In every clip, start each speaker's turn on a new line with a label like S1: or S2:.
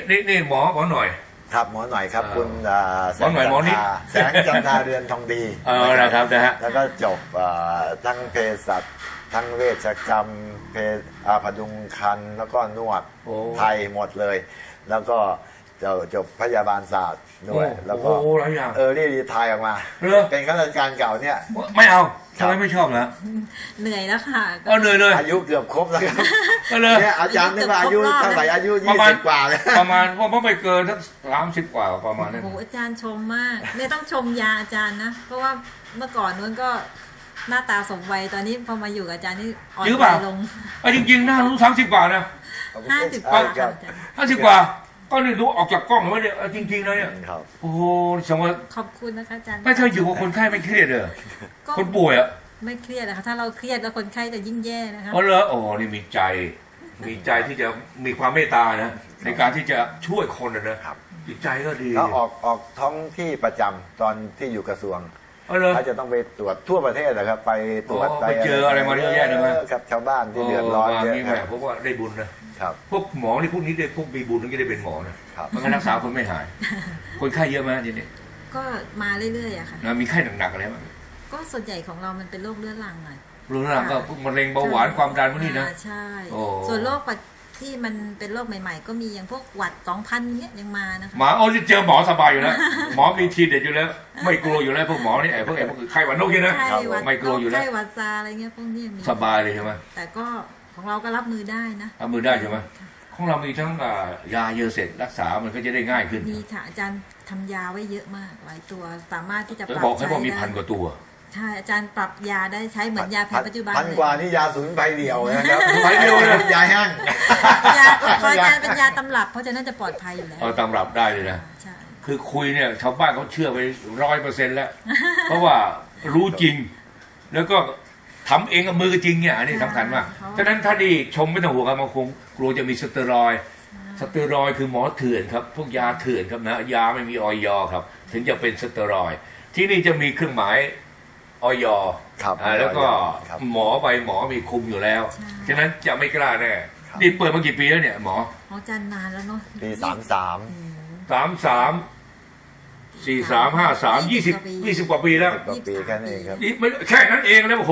S1: นี่หมอหน่อย
S2: ครับหมอหน่อยครับคุณ
S1: หมอหน่อยหมอนี่
S2: แสงจันทาเรือนทองดี
S1: นะครับนะฮะ
S2: แล้วก็จบทั้งเภสัชทั้งเวชกรรมพดุงครรภ์แล้วก็นวดไทยหมดเลยแล้วก็จบพยาบาลศาสตร์ด้วยแล้วก็รีไทร์ออกมาเป็นข้าราชการเก่าเนี่ย
S1: ไม่เอาทำไมไม่ชอบนะ
S3: เหนื่อยแล้วค่ะ
S1: เหนื่อยเลย
S2: อายุเกือบครบแล้วครับเนี่ยอาจารย์นี่ว่าอายุเท่าไหร่อายุ20 กว่าเลย
S1: ประมาณว่าไม่เกินสัก30 กว่าประมาณนั้น
S3: โอ้อาจารย์ชมมากเนี่ยต้องชมยาอาจารย์นะเพราะว่าเมื่อก่อนนู้นก็หน้าตาสมวัยตอนนี้พอมาอยู่กับอาจารย์นี่อ่อนไปลง
S1: จริงๆหน้ารู้30 กว่านะ
S3: 50 กว่า
S1: 50 กว่าก็นี่ดูออกจากกล้องแล้วเนี่ยจริงๆนะเนี่ยโอ้โหสมมติ
S3: ขอบคุณนะคะอาจารย์
S1: ไม่ใช่อยู่กับคนไข้ไม่เครียดเลยคนป่วยอ่ะ
S3: ไม่เครียดนะคะถ้าเราเครียดแล้วคนไข้จะยิ่งแย่นะคะ
S1: อ๋อเหรอโอ้นี่มีใจที่จะมีความเมตตานะในการที่จะช่วยคนนะครับจิตใจก็ดี
S2: เขาออกท้องที่ประจำตอนที่อยู่กระทรวงเขาจะต้องไปตรวจทั่วประเทศนะครับไปตรวจ
S1: ไปเจออะไรมาเยอะแยะเลยมั้ย
S2: ครับชาวบ้านที่เดือดร้อนเยอะ
S1: เพราะว่าได้บุญนะครับพวกหมอนี่พวกนี้ได้พวกมีบุญถึงจะได้เป็นหมอนะมันก็รักษาคนไม่หายคนไข้เยอะไหมทีนี้
S3: ก็มาเรื่อยๆอะค่ะ
S1: มีไข้หนักๆอะไรบ้าง
S3: ก็ส่วนใหญ่ของเรามันเป็นโรคเรื้อรังไง
S1: เรื้อรังก็มะเร็งเบาหวานความดันพวกนี้นะ
S3: ใช่ส่วนโรคที่มันเป็นโรคใหม่ๆก็มีอย่างพวกหวัด2000เงี้ยยังมานะคะ
S1: หมอจะเจอหมอสบายอยู่แล้วหมอมีทีเด็ดอยู่แล้วไม่กลัวอยู่แล้วพวกหมอนี่พวกไข้หวัดนกนี่นะไม่กลัวอยู่แล้ว
S3: ไข้หวัดซาอะไรเงี้ยพวกนี้มี
S1: สบายเลยใช่ไหม
S3: แต่ก็ของเราก็รับมือได้นะ
S1: รับมือได้ใช่ไหมของเรามีทั้งยาเยอะเสร็จรักษามันก็จะได้ง่ายขึ้น
S3: มีค่ะอาจารย์ทำยาไว้เยอะมากหลายตัวสามารถที่จะปรับ
S1: บอกให้บอกมี1,000 กว่าตัว
S3: ใช่อาจารย์ปรับยาได้ใช้เหมือนยาแผนปัจจุบัน
S2: 1,000 กว่านี่ยาสมุนไพรเดียวนะครับสมุนไพรเดียวเลยยาแห้ง
S3: ยาของอาจารย์เป็นยาตำรับเพราะฉะนั้นจะปลอดภัยอยู่แล้ว
S1: ตำรับได้เลยนะคือคุยเนี่ยชาวบ้านเขาเชื่อไป100%แล้วเพราะว่ารู้จริงแล้วก็ทำเองกับมือจริงเนี่ยอันนี้สำคัญมากฉะนั้นถ้าดีชมไม่ต้องห่วงกันมาคงกลัวจะมีสเตียรอยด์คือหมอเถื่อนครับพวกยาเถื่อนครับนะยาไม่มีอย.ครับถึงจะเป็นสเตียรอยด์ที่นี่จะมีเครื่องหมายอย.แล้วก็หมอไปหมอมีคุมอยู่แล้วฉะนั้นจะไม่กล้าแน่นี่เปิดมากี่ปีแล้วเนี่ยหมอ
S3: จันนานแล้วเนาะ
S2: ปี
S1: 33 43 53 20 กว่าปีแล้ว
S2: ปีแค่นี้ครับ
S1: ไม่แค่นั้นเองแล้วโอ้โห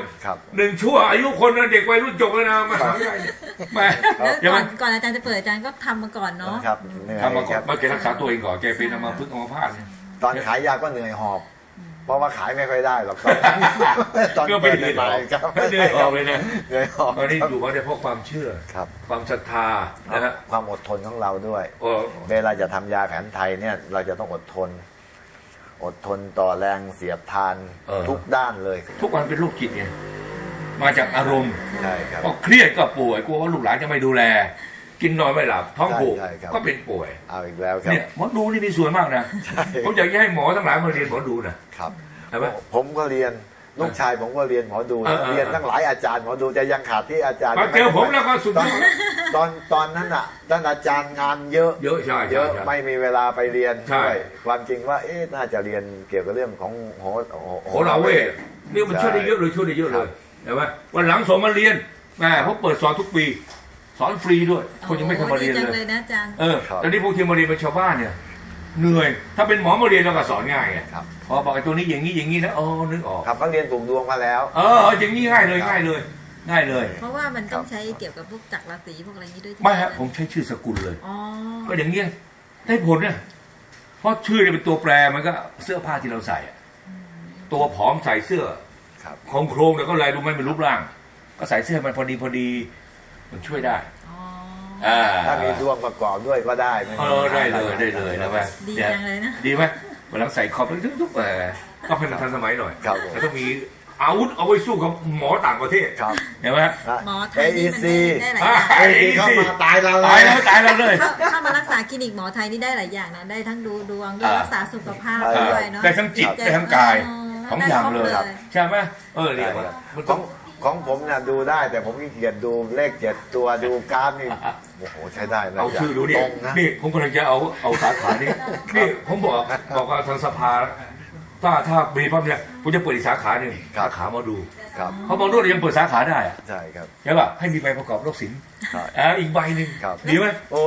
S1: 1 ชั่วอายุคนเด็กวัยรุ่นจบแล้วนะมหาวิทยาลัย
S3: แล้วก่อนอาจารย์จะเปิดอาจารย์ก็ทำมาก่อนเนาะ
S1: ทำมาก่อนมาแกรักษาตัวเองก่อนแกเป็นอัมพฤกษ์อัมพาต
S2: ตอนขายยาก็เหนื่อยหอบเพราะว่าขายไม่ค่อยได้หรอกตอน
S1: ก็ไปเหนื่อยหอบเลยนะ
S2: เหนื่อยหอบ
S1: ตอนนี้อยู่มาได้เพราะความเชื่อความศรัทธานะฮะ
S2: ความอดทนของเราด้วยเวลาจะทำยาแผนไทยเนี่ยเราจะต้องอดทนต่อแรงเสียดทานทุกด้านเลย
S1: ทุกวันเป็นโรคจิตไงมาจากอารมณ์
S2: ใช่ครับ
S1: ก็เครียดก็ป่วยกลัวว่าลูกหลานจะไม่ดูแลกินนอนไม่หลับท้องผูกก็เป็นป่วย
S2: เอาอีกแล้วครับ
S1: เนี่ยหมอดูนี่มีส่วนมากนะผมอยากให้หมอทั้งหลายมาเรียนหมอดูนะครับ
S2: ใช่ไหมผมก็เรียนลูกชายผมก็เรียนหมอดูเรียนทั้งหลายอาจารย์หมอดูจะยังขาดที่อาจารย์
S1: มาเจอผมแล้วก็สุด
S2: ตอนนั้นอ่ะท่านอาจารย์งานเยอะ
S1: ใช่
S2: เยอะไม่มีเวลาไปเรียนด้วยความจริงว่าน่าจะเรียนเกี่ยวกับเรื่องของโห
S1: ราเวทนี่มันช่วยได้เยอะเลยเห็นไหมวันหลังส่งมาเรียนแม่เขาเปิดสอนทุกปีสอนฟรีด้วยคนยังไม่เคยมาเรียนเลย
S3: นะอาจารย์
S1: ตอนนี้พวกที่มาเรียนเป็นชาวบ้านเนี่ยเหนื่อยถ้าเป็นหมอมาเรียนเราก็สอนง่ายไงพอบอกไอ้ตัวนี้อย่างนี้นะนึกออก
S2: ครับเขาเรียนปลูกดวงมาแล้ว
S1: อย่างนี้ง่ายเลย
S3: เพราะว่ามันต้องใช้เกี่ยวกับพวกจักรราศีพวกอะไรนี้ด้วย
S1: ไม่ฮะผมใช้ชื่อสกุลเลยก็อย่างเงี้ยได้ผลเนี่ยเพราะชื่อเนี่ยเป็นตัวแปรมันก็เสื้อผ้าที่เราใส่ตัวผอมใส่เสื้อโครงแล้วก็ลายดูไม่เป็นรูปร่างก็ใส่เสื้อมันพอดีมันช่วยได้
S2: ถ้ามีดวงประกอบด้วยก็ได้
S1: ได้เลยนะแม่
S3: ดีจังเลยนะ
S1: ดีไหมวันหลังใส่คอมทุกก็ให้มันทันสมัยหน่อยแล้วต้องมีอาวุธเอาไว้สู้กับหมอต่างประเทศเห็นไหม
S3: หมอไทยนี่มันได้หลายอย่าง
S2: เข้ามาตายเรา
S1: เลย
S3: เข้ามารักษาคลินิกหมอไทยนี่ได้หลายอย่างนะได้ทั้งดูดวงด้วยรักษาสุขภาพด้วยเนาะ
S1: ได้ทั้งจิตได้ทั้งกายของอย่างเลยใช่ไหมเรียกว่า
S2: ของผมเนี่ยดูได้แต่ผมขี้เกียจดูเลข7 ตัวดูกราฟนี่โอ้โหใช้ได้นะ
S1: เอาชื่อดูนี่ผมกำลังจะเอาสาขานี่ผมบอกว่าทางสภาถ้ามีปั๊บเนี่ยผมจะเปิดอีกสาขาหนึ่งสาขามาดูเพราะบางรุ่นยังเปิดสาขาได้
S2: ใช่ครับ
S1: ใช่ป่ะให้มีใบประกอบโรคศิลป์อีกใบหนึ่งดีไหม
S2: โอ้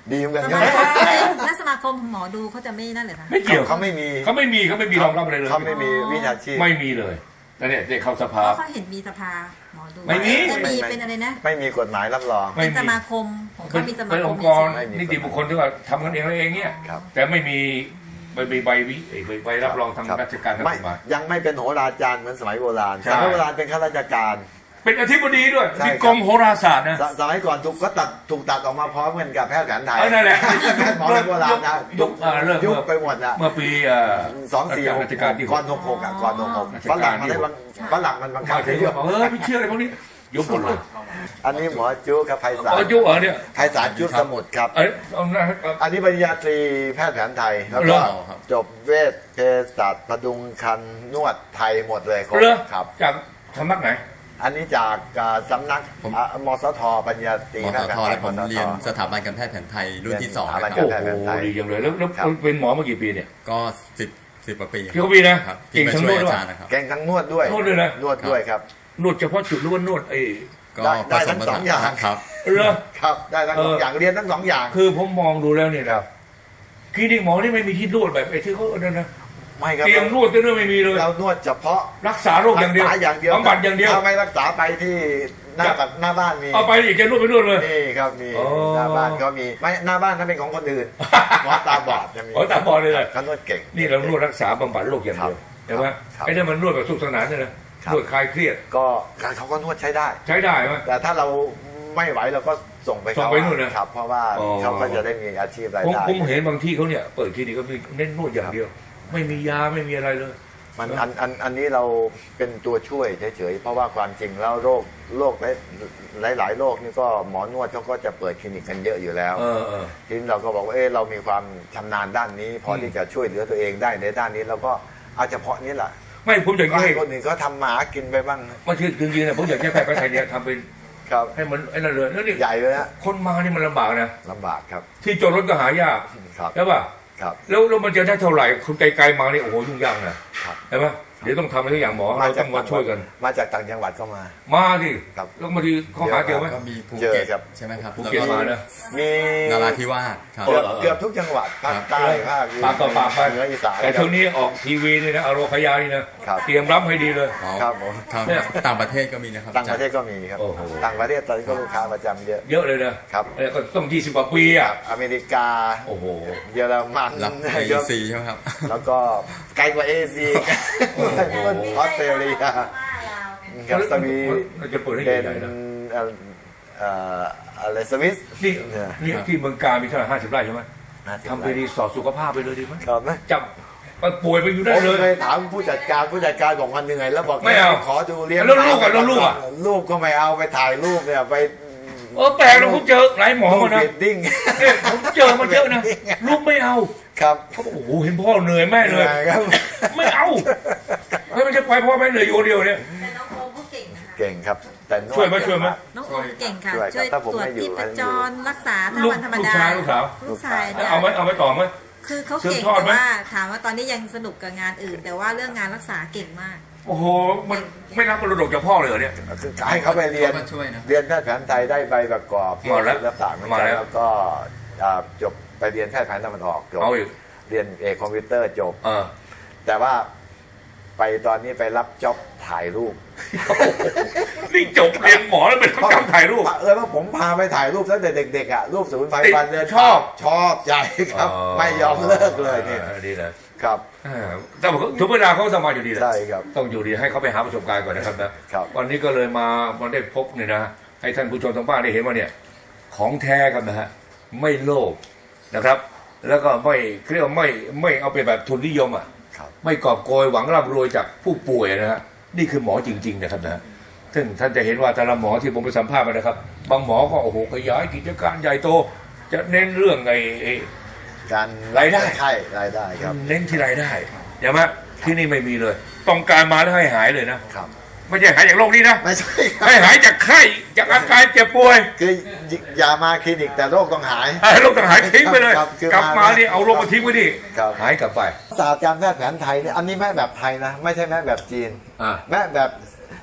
S2: ดีเหมือนกัน
S3: ส
S2: ใช่
S3: มา
S2: ไหม
S3: คมและสมาคมหมอดูเขาจะไม่นั่นเลยนะ
S1: ไม่เกี่ยว
S2: เขาไม่มี
S1: เขาไม่มีรองรับอะไรเลย
S2: เขาไม่มีวิชาชีพ
S1: ไม่มีเลยแต่เนี่ยได้เข้าส
S3: เพ
S1: ภา
S3: ราะเขาเห็นมีสภาหมอดู
S1: ไม่มี
S3: จะมีเป็นอะไรนะ
S2: ไม่มีกฎหมายรับรอง
S1: ไม่
S3: เป็น
S1: มี
S3: สมาคมของเขามีสมา
S1: เป็น
S3: ค
S1: อ
S3: ม
S1: งค์กร
S2: ไม่มี
S1: นิติบุคคลที่ว่าทำกันเองแล้วเองเนี่ย
S2: ครับ
S1: แต่ไม่มีใบรับรองทางราชการทางก
S2: ไม่
S1: ฎหมาย
S2: ยังไม่เป็นโหราจารย์เหมือนสมัยโบราณ
S1: ใช่
S2: สมัยโบราณเป็นข้าราชการ
S1: เป็นอธิบดีด้วย
S2: ใช่
S1: มี
S2: ครับ
S1: กรมโหราศาสตร์นะ
S2: สมัยก่อนถูกตัดออกมาพร้อมกันกับแพทย์แผนไทย
S1: นั่นแหละ
S2: แพทย์หมอโบราณนะ
S1: ยุคเริ่ม
S2: ยุบไปหมดนะ
S1: เมื่อปี
S2: 24
S1: ราชการที่
S2: ก่อน66อ่ะก่อน66ฝรั่งมันได้ฝรั่งมันบังคับ
S1: มาถึ
S2: ให้
S1: ง
S2: ยุบ
S1: บอกไม่เชื่ออะไรพวกนี้ยุบหมดเลย
S2: อันนี้หมอจุกับไพศาล
S1: ยุบเหรอเนี่ย
S2: ไพศาลจุสมุทรครับ
S1: เอาหน้า
S2: อันนี้ปริญญาตรีแพทย์แผนไทยแล้ว
S1: เหร
S2: ก็
S1: อ
S2: จบเวชเภสัชพดุงคันนวดไทยหมดเลย
S1: เรือ
S2: ครับ
S1: จากสำนักไหน
S2: อันนี้จากสำนักมสทปริญญาตรี
S4: ม
S2: แพ
S4: ส
S2: ทย์แผน
S4: ท
S2: ไท
S4: และ
S2: ย
S4: ผม
S2: มสท
S4: เรียนสถาบันการแพทย์แผนไทยรุ่นที่ 2
S2: สถาบัน
S4: นะค
S2: กา
S4: รับ
S2: ร
S1: โอ้โหดีจังเลยแล้วเป็นหมอมากี่ปีเนี่ย
S4: ก็10 กว่าปี
S1: กี่ปีนะครับ
S4: ที่มาช่วย
S1: เก่งทั้งนวด
S4: อาจารย์นะครับ
S2: เก่งทั้งนวดด้วย
S1: นวดด้วยนะ
S2: นวดด้วยครับ
S1: นวดเฉพาะจุดหรือว่านวด
S4: ก็
S2: ได้
S4: ผส
S2: ทั้
S4: ม
S2: ง
S4: ผ
S2: สอ
S4: สาง น
S2: อย่าง
S4: ครับ
S1: เหรอ
S2: ครับได้ทั้งสองอย่างเรียนทั้งสองอย่าง
S1: คือผมมองดูแล้วเนี่ยนะคลินิกหมอนี่ไม่มีที่นวดแบบไอ้ที่เขาเนี่ยนะ
S2: ไม่ครับ
S1: เตียงนวดก็ไม่มีเลย
S2: เรานวดเฉพาะ
S1: รักษาโรคอย่างเดียว
S2: รักษาอย่างเดียว
S1: บำบัดอย่างเดียว
S2: ถ้าไม่รักษาไปที่หน้าบ้านมี
S1: เอาไปอีกจะนวดไปนวดเลย
S2: นี่ครับมี
S1: อ๋อ
S2: หน้าบ้านก็มีไม่หน้าบ้านนั้นเป็นของคนอื่นหมอตาบอดจะมี
S1: หมอตาบอดเลยเหรอ
S2: เขานวดเก่ง
S1: นี่เรานวดรักษาบำบัดโรคอย่างเดียวใช่ไหม
S2: ครับ
S1: ไอ้นั่นมันนวดแบบสุขสนานเนี่ยนะครับ นวดคลายเครียด
S2: ก็การเขาก็นวดใช้ได้
S1: ใช้ได้ไหม
S2: แต่ถ้าเราไม่ไหวเราก็ส่งไป
S1: ส่งไปนู่นนะ
S2: ครับ เพราะว่า
S1: อ๋อ
S2: เขาก็จะได้มีอาชีพราย
S1: ผม
S2: ได้
S1: ผมเห็นบางที่เขาเนี่ยเปิดคลินิกก็มีเน้นนวดอย่างเดียว ไม่มียาไม่มีอะไรเลย
S2: มันอันนี้เราเป็นตัวช่วยเฉยๆเพราะว่าความจริงแล้วโรคหลายโรคนี่ก็หมอนวดเขาก็จะเปิดคลินิกกันเยอะอยู่แล้ว
S1: เออ
S2: ทีนี้เราก็บอกว่าเรามีความชำนาญด้านนี้ พอที่จะช่วยเหลือตัวเองได้ในด้านนี้เราก็เอาเฉพาะนี้แหละ
S1: ไม่ผมอยาก
S2: ก็
S1: ให้
S2: ให้คนอื่นเขาทำหมากินไปบ้าง
S1: มาชื่อจริงๆนะผมอยากให้แพทย์แผนไทยเนี่ยทำเป็น
S2: ครับ
S1: ให้มันไอ้นั่นเลยแล้วนี่
S2: ใหญ่เลยนะ
S1: คนมานี่มันลำบากนะ
S2: ลำบากครับ
S1: ที่จอดรถก็หายาก
S2: ครับ
S1: ใช่ป่ะ
S2: ครับ
S1: แล้วมันจะได้เท่าไหร่คนไกลๆมานี่โอ้โหยุ่งยากนะครับ ใช่ไหมเดี๋ยวต้องทำอะไรทุกอย่างหมอเราต้องมาช่วยกัน
S2: มาจากต่างจังหวัดก็มา
S1: มาสิ
S2: ครับ
S1: แล้วบางทีเขาหาเจอไหม
S4: ก็มีภู
S2: เจอ
S4: เก็ต
S2: ครับ
S4: ใช่ไหมครับ
S1: ภูเก็ต
S4: แล้ว
S1: มานะ
S2: มี
S4: นราธิวาสครับ
S2: เกือบทุกจังหวัดภาคใต้ภาค
S1: ปากต่อปากไป
S2: เหนืออีสาน
S1: แต่ช่วงนี้ออกทีวีนี่นะอโรคยานี่นะครับ เตรียมรับให้ดีเลย
S4: อ๋อ
S2: ครับผม
S4: ครับ
S1: เนี่ย
S4: ต่างประเทศก็มีนะครับ
S2: ต่างประเทศก็มีครับ
S1: โอ้โห
S2: ต่างประเทศตอนนี้ก็ลูกค้าประจำเยอะ
S1: เยอะเลยนะครับ ก็ต้อง20 กว่าปีอ่ะ
S2: อเมริกา
S1: โอ้โห
S2: เยอรมัน
S4: หลับ AEC ใช่ไหมครับ
S2: แล้วก็ไกลกว่าเอเชียออสเตรเลียกับสวี
S1: เราจะเปิดให้
S2: เดน
S1: ใหญ่ๆนะ
S2: อะไรสวิส
S1: นี่
S2: เนี่ย
S1: นี่ที่เมืองการมีเท่าไหร่50 ไร่ใช่ไหมทำไปรีสอร์ทสุขภาพไปเลยดีไหม
S2: ครับไหม
S1: จับป่วยไปอยู่ได้
S2: ผม
S1: เลย
S2: เคยถามผู้จัดการบอกว่าเหนื่อยแล้วบอก
S1: ไม่เอา
S2: ขอดูเลี้ยง
S1: แล้วลูกอะแล้วลูกอะ
S2: ลูกก็ไม่เอาไปถ่ายรูปเนี่ยไป
S1: แปลกนะผมเจอหลายหมอมานะ
S2: เวดดิ้ง
S1: เนี่ยผมเจอมาเยอะนะลูกไม่เอา
S2: ครับ
S1: เขาบอกโอ้โหเห็นพ่อเหนื่อยแม่เลย
S2: ครับ
S1: ไม่เอาไม่มันจะไปพ่อแม่เหนื่อยอยู่คนเดียวเนี่ย
S3: แต่น้องโอมเขาเก่งนะคะ
S2: เก่งครับแต่นด
S1: ช่วยไหมช่วยไหม
S3: น้องโอมเก่งค่ะ
S2: ช่วยครับ
S3: ช่วย
S2: ถ้าผม
S3: ตรวจ
S2: ไม่อยู่
S3: ที่ประจรรักษาถ้า
S1: ลูก
S3: วันธรรม
S1: ลูก
S3: ดา
S1: ชายลูกสาว
S3: ลูกชาย
S2: ลูกชาย
S3: จ้ะ
S1: เอาไหมต่อไหม
S3: คือเขา
S1: สืบ
S3: เก่ง
S1: ทอด
S3: แต่
S1: ไหม
S3: ว่าถามว่าตอนนี้ยังสนุกกับงานอื่น แต่ว่าเรื่องงานรักษาเก่งมาก
S1: โอ้โหมันไม่รับมรดกจากพ่อเลยเหรอเนี่ย
S2: คือให้เขาไปเรียน
S4: เขาก็ช่วยนะ
S2: เรียนแพทย์แผนไทยได้ใบประกอบ
S1: มาแล้ว
S2: ศิลปะเหมือน
S1: มา
S2: กัน
S1: แล้ว
S2: แล้วก็จบไปเรียนแพทย์แผนตะวันออกจบ
S1: เอาอีก
S2: เรียนเอกคอมพิวเตอร์จบ
S1: เออ
S2: แต่ว่าไปตอนนี้ไปรับจ็อบถ่ายรูป
S1: นี่จบเรียนหมอแล้วเป็นคนทำถ่ายรูป
S2: ว่าผมพาไปถ่ายรูปตั้งแต่เด็กๆอ่ะรูปศูนย์ไฟฟันเลย
S1: ชอบ
S2: ชอบใจครับ ไม่ยอมเลิกเลยนี่
S1: ดีเลย
S2: ครับ
S1: แต่ถึงเวลาเขาสมัครอยู่ดีแหละ
S2: ได้ครับ
S1: ต้องอยู่ดีให้เขาไปหาประสบการณ์ก่อนนะครับนะครับ วันนี้ก็เลยมาได้พบเนี่ยนะให้ท่านผู้ชมทางบ้านได้เห็นว่าเนี่ยของแท้กันนะฮะไม่โลภนะครับ แล้วก็ไม่เรียกว่าไม่เอาไปแบบทุนนิยมอ่ะ
S2: ครับ
S1: ไม่กอบโกยหวังร่ำรวยจากผู้ป่วยนะฮะนี่คือหมอจริงๆนะครับนะซึ่งท่านจะเห็นว่าแต่ละหมอที่ผมไปสัมภาษณ์มานะครับ บางหมอก็โอ้โหขยายกิจการใหญ่โต จะเน้นเรื่องไอ้
S2: การ
S1: รายได้
S2: ใช่รายได้ครับ
S1: เน้นที่รายได้ใช่ไหมที่นี่ไม่มีเลย ต้องการมาแล้วให้หายเลยนะครับ ไม่ใช่หายจากโรคนี้นะ
S2: ไม่ใช่ครั
S1: ให้หายจากไข้จากอาการเจ็บป่วย
S2: คืออย่ามาคลินิกแต่โรคต้องหาย
S1: ให้โรคต่างหายทิ้งไปเลย
S2: ครับคือก
S1: ลับมา
S2: มา
S1: นี่เอาโรคมาทิ้งไว้ดิ
S2: ครับ
S1: หายกลับไป
S2: ศาสตร์การแพทย์แผนไทยเนี่ยอันนี้แม่แบบไทยนะ ไม่ใช่แม่แบบจีน
S1: อ่า
S2: แม่แบบ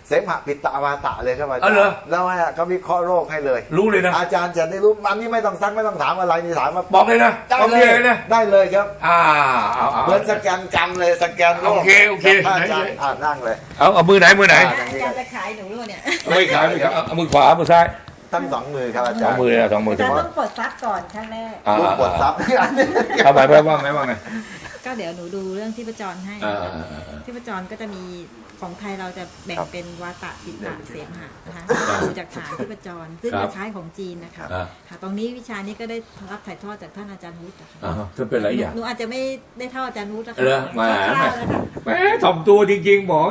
S2: เสมหะปิตตาวาตะเลยครับอาจาร
S1: อ๋อเหรอ
S2: ย์แล้วเขาวิเคราะห์โรคให้เลย
S1: รู้เลยนะ
S2: อาจารย์จะได้รู้อันนี้ไม่ต้องซักไม่ต้องถามอะไรนี่ถามมา
S1: บอกเลยนะ
S2: ได้
S1: บอก
S2: เล
S1: เลย ยนะ
S2: ได้เลยครับ
S1: เอา
S2: เหมือนสแกนกรรมเลยสแกนโรค
S1: โอเคโอเค
S2: อาจารย์นั่งเลย
S1: เอามือไหนมือไหน
S3: อาจารย์จะขายหนูรู้เนี่ย
S1: ไม่ขายไม่ขายเอามือขวามือซ้าย
S2: ทั้งสองมือครับอา
S1: ส
S2: จา
S1: อ
S2: รง ย์
S1: มือนะสองมือ
S3: อาจารย์ต้องกดซักก่อนครั้งแรก
S2: ลูกกดซับ
S1: เอาไปว่าไงว่าไง
S3: ก็เดี๋ยวหนูดูเรื่องที่ประจรให้
S1: อ่า
S3: ที่ประจรก็จะมีของไทยเราจะแบ่งเป็นวาตะปิตะเสมหะนะคะดูจากฐานที่ประจรซึ่งคล้ายๆของจีนนะคะค่ะตรงนี้วิชานี้ก็ได้รับถ่ายทอดจากท่านอาจารย์วุฒินะคะ
S1: จะเป็นหลายอย่าง
S3: หนูอาจจะไม่ได้เท่าอาจารย์วุฒินะคะ
S1: เหรอมา
S3: คร่าวๆนะคะ
S1: แหมถ่อมตัวจริงๆบอก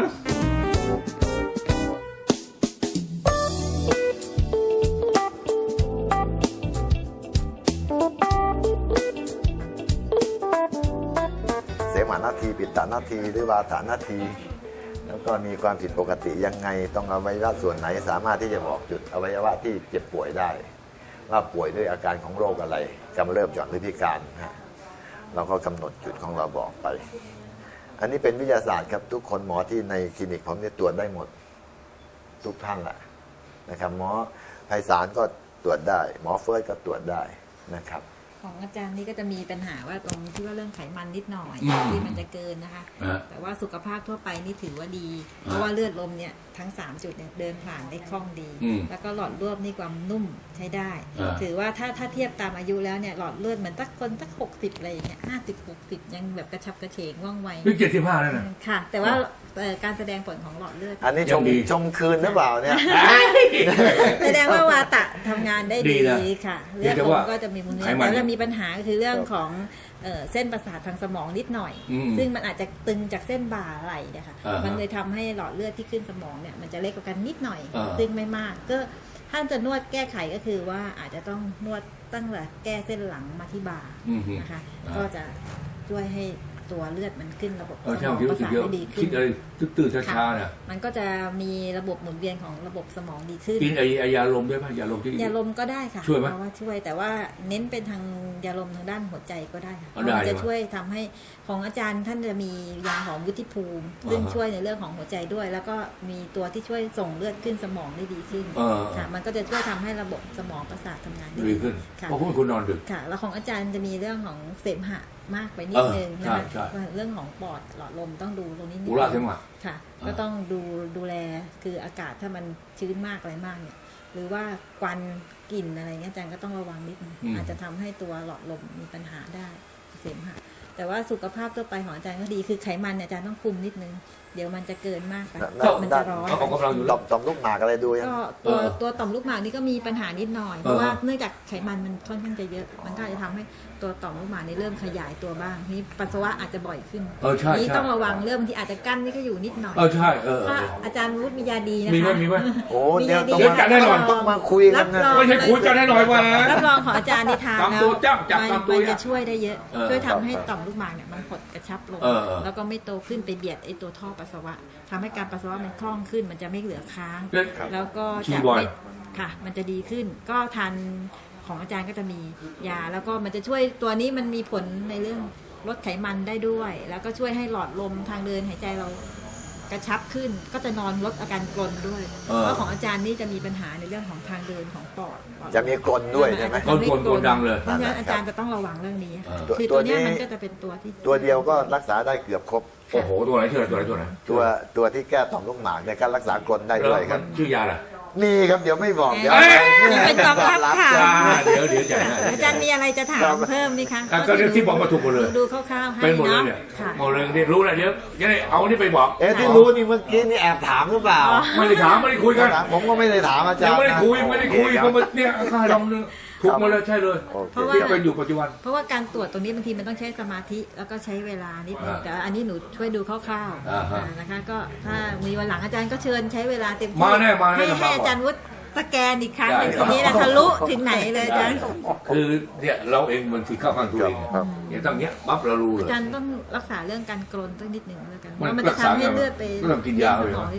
S2: เสมหะนาทีปิตตานาทีหรือวาตานาทีแล้วก็มีความผิดปกติยังไงต้องอวัยวะส่วนไหนสามารถที่จะบอกจุดอวัยวะที่เจ็บป่วยได้ ว่าป่วยด้วยอาการของโรคอะไรกำเริบหย่อนหรือพิการเราก็กำหนดจุดของเราบอกไป อันนี้เป็นวิทยาศาสตร์ครับทุกคนหมอที่ในคลินิกผมเนี่ยตรวจได้หมดทุกท่านแหละนะครับหมอไพศาลก็ตรวจได้ หมอเฟิร์สก็ตรวจได้นะครับ
S3: ของอาจารย์นี่ก็จะมีปัญหาว่าตรงที่ว่าเรื่องไขมันนิดหน่อยที่มันจะเกินนะคะ แต่ว่าสุขภาพทั่วไปนี่ถือว่าดี เพราะว่าเลือดลมเนี่ยทั้ง3จุดเนี่ยเดินผ่านได้คล่องดี แล้วก็หลอดเลือดนี่ความนุ่มใช้ได้ ถือว่าถ้าเทียบตามอายุแล้วเนี่ยหลอดเลือดเหมือนสัก60อะไรอย่างเงี้ย50-60ยังแบบกระชับกระเฉงว่องไว
S1: นี่75แล้วนะ
S3: ค่ะ แต่ว่าการแสดงผลของหลอดเลือด
S2: อันนี้ชมคืนหรือเปล่าเนี่ย
S3: แสดงว่าวาตะทำงานได้
S1: ดี
S3: ดี
S1: นะ
S3: ค่ะ
S1: เพี
S3: เลื
S1: ย
S3: อง ด
S1: แต่
S3: ล
S1: ว่าม
S3: ก็จะมีมูล
S1: ไขมัน
S3: แล้วจะมีปัญหาคือเรื่องของเส้นประสาททางสมองนิดหน่อย ซึ่งมันอาจจะตึงจากเส้นบ่าไหล่เนี่ยค่ะมันเลยทำให้หลอดเลือดที่ขึ้นสมองเนี่ยมันจะเล็กกว่ากันนิดหน่อย ซึ่งไม่มากก็ท่านจะนวดแก้ไขก็คือว่าอาจจะต้องนวดตั้งแต่แก้เส้นหลังมาที่บ่านะคะก็จะช่วยให้ตัวเลือดมันขึ้นระบบสม
S1: ใช่
S3: อง
S1: คิด
S3: ประ
S1: รู้สึก
S3: สาท
S1: เยอะ
S3: ได้ดีขึ้
S1: คิ
S3: น
S1: ดอะไรตื่นช้าๆนะ
S3: มันก็จะมีระบบหมุนเวียนของระบบสมองดีขึ้น
S1: กินไอ้ยาลมได้ไหมยาลมที่
S3: ยาลมก็ได้ค่ะ
S1: ช่วยไหม
S3: เพราะว่าช่วยแต่ว่าเน้นเป็นทางยาลมทางด้านหัวใจก็ได้ค่ะเพ
S1: อ๋อ
S3: ราะ
S1: ได้
S3: มันจะ
S1: ใช่ไหม
S3: ช่วยทำให้ของอาจารย์ท่านจะมียาหอมวุฒิภูมิ ซึ่งช่วยในเรื่องของหัวใจด้วย แล้วก็มีตัวที่ช่วยส่งเลือดขึ้นสมองได้ดีขึ้นค่ะมันก็จะช่วยทำให้ระบบสมองประสาททำงานได้
S1: ดีขึ้น
S3: ค่ะ
S1: เพราะคุณนอนดึก
S3: ค่ะ แล้วของอาจารย์จะมีเรื่องของเสมหะมากไปนิดนึง
S1: ใช่
S3: นะคะ
S1: ใช่
S3: เรื่องของปอดหลอดลมต้องดูตรงนี้นิด
S1: อุระเสมหะ
S3: ค่ะ ก็ต้องดูแลคืออากาศถ้ามันชื้นมากอะไรมากเนี่ย หรือว่าควันกลิ่นอะไรเงี้ยอาจารย์ก็ต้องระวังนิดนึงอาจจะทำให้ตัวหลอดลมมีปัญหาได้เสมหะแต่ว่าสุขภาพทั่วไปของอาจารย์ก็ดีคือไขมันเนี่ยอาจารย์ต้องคุมนิดนึงเดี๋ยวมันจะเกินมากไปมันจะร้อน
S1: เขากำลังอยู่
S2: ต่อมลูกหมากอะไรดูยัง
S3: ก็ตัวต่อมลูกหมากนี่ก็มีปัญหานิดหน่อยเพราะว่าเนื่องจากไขมันมันค่อนข้างจะเยอะ มันก็อาจจะทำให้ตัวต่อมลูกหมากนี่เริ่มขยายตัวบ้างนี่ปัสสาวะอาจจะบ่อยขึ้น
S1: ใช่
S3: นี่
S1: ใช่
S3: ต้องระวังเริ่มที่อาจจะกั้นนี่ก็อยู่นิดหน่อย
S1: ใช่
S3: ถ้าอาจารย์วุฒิมียาดีนะคะ
S1: มีไหม
S2: โอ้
S3: มี
S2: เดี๋ย
S3: ยาว ดี
S2: ต้อง
S1: จัดแน่นอน
S2: ต้องมาคุยกันนะ
S1: ไม่ใช่คุยกันแน่นอนว่า
S3: รับรองของอาจารย์ที่ทาน
S1: ตาม
S3: แล้
S1: ตัว วจับตามตัว
S3: มันจะช่วยได้เยอะ ช่วยทำให้
S2: ครับ
S3: ต่อมลูกหมากเนี่ยมันหดกระชับลง แล้วก็ไม่โตขึ้นไปเบียดไอตัวท่อปัสสาวะทำให้การปัสสาวะมันคล่องขึ้น มันจะไม่เหลือค้าง แล้วก็
S1: ชี
S3: จะ
S1: บอย
S3: ไม่ค่ะ มันจะดีขึ้น ก็ทานของอาจารย์ก็จะมียา แล้วก็มันจะช่วยตัวนี้มันมีผลในเรื่องลดไขมันได้ด้วย แล้วก็ช่วยให้หลอดลมทางเดินหายใจเรากระชับขึ้น ก็จะนอนลดอาการกรนด้วย เพราะของอาจารย์นี่จะมีปัญหาในเรื่องของทางเดินของปอด
S2: จะมีกลนด้วยใช่ไหม
S1: กลนดังเลย
S3: เพราะฉะนั้นอาจารย์จะต้องระวังเรื่องนี้
S2: ตัว
S3: คือ
S2: ตั
S3: ตัว ว
S2: นี้
S3: เนี้ยมันก็จะเป็นตัวที่
S2: ตัวเดียวก็รักษาได้เกือบครบ
S1: โอ้โหตัวไหนตัวไหน
S2: ตัวที่แก้ต่อมลูกหมากในการรักษากลนได้ด้วยครับ
S1: ชื่อยาอะไร
S2: นี่ครับเดี๋ยวไม่บอกเดี๋ยว
S3: นี่เป็นความลับค่ะ
S1: เดี๋ยวจะ
S3: อาจารย์มีอะไรจะถามเพิ่มไหมคะ
S1: ก็เรื่องที่บอกมาถูกหมดเลย
S3: ดูคร่าวๆให้
S1: เป็นหมดเลย
S3: เนาะ
S1: เนี่ย
S3: ค่ะ
S1: หมดเลยเนี่ยรู้แล้วเดี๋ยวจะได้เอานี่ไปบอก
S2: ที่รู้นี่เมื่อกี้นี่แอบถามหรือเปล่า
S1: ไม่ได้ถามไม่ได้คุยกัน
S2: ผมก็ไม่ได้ถามอาจาร
S1: ยัง
S2: ย์
S1: ไม่ได้คุยเพราะเนี่ยค่าดำเนี่ยถูกหมดเลยใช่เลย
S3: เพราะว่า
S1: ที่เป็นอยู่ปัจจุบัน
S3: เพราะว่าการตรวจตรงนี้บางทีมันต้องใช้สมาธิแล้วก็ใช้เวลานิดนึงแต่อันนี้หนูช่วยดูคร่าว
S1: อ่าฮะ
S3: นะคะก็ถ้ามีวันหลังอาจารย์ก็เชิญใช้เวลาเต็มที่
S1: มาแน่มาแน่
S3: ให้
S1: มา
S3: อาจารย์วุฒิสแกนอีกครั้งหนึ่ง
S1: ได้
S3: ทีนี้นะทะลุถึงไหนเลยอาจารย์
S1: คือเนี่ยเราเองมันที่เข้าข้างตัวเองเนี่ยตั้งเนี้ยปั๊บเรารู้เลย
S3: อาจารย์ต้องรักษาเรื่องการกรนสักนิดหนึ่งแล้วกัน
S1: มัน
S3: ว่ามันจะทำให้เลือดไป
S1: ก็ต้องกินยา
S3: ส
S1: เลย
S3: มองได้ดีค่ะ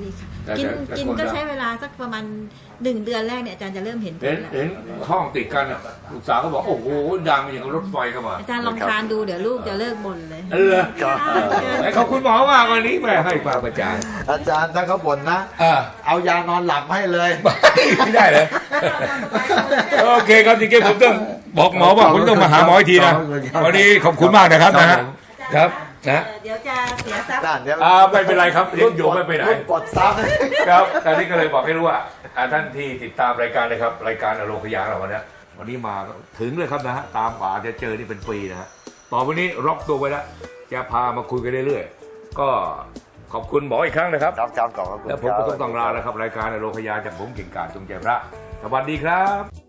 S3: กินก็ใช้เวลาสักประมาณ1 เดือนแรกเนี่ยอาจารย์จะเริ่มเห็นผลแล้ว
S1: เห็นห้องติดกันอ่ะลูกสาวก็บอกโอ้โหดังอย่างรถไฟเข้ามา
S3: อาจารย์ลองทานดูเดี๋ยวลูกจะเลิกบ่นเลย
S1: ไอ้ขอบคุณหมอมากวันนี้แม่ให้ความประจาน
S2: อาจารย์ถ้าเขาบ่นนะเอายานอนหลับให้เลย
S1: ไม่ได้เลยโอเคครับจริงๆผมต้องบอกหมอว่าผมต้องมาหาหมออีกทีนะวันนี้ขอบคุณมากนะครับนะฮะครับนะ
S3: เดี๋ยวจะเสียทรัพย์
S1: ไม่เป็นไรครับเลี้ยงอยู่ไม่ไปไหน
S2: กดซับ
S1: ครับตอนนี้ก็เลยบอกให้รู้ว่าท่านที่ติดตามรายการนะครับรายการอโลคยาเราวันนี้มาถึงเลยครับนะฮะตามป่าจะเจอนี่เป็นปีนะฮะต่อไปนี้ล็อกตัวไว้แล้วจะพามาคุยกันเรื่อยๆก็ขอบคุณหมออีกครั้งนะครับ
S2: ครับขอบคุณ
S1: แล้วผมก็ต้องลาแล้วครับรายการอโลคยาจากผมกิ่งการจงใจพระสวัสดีครับ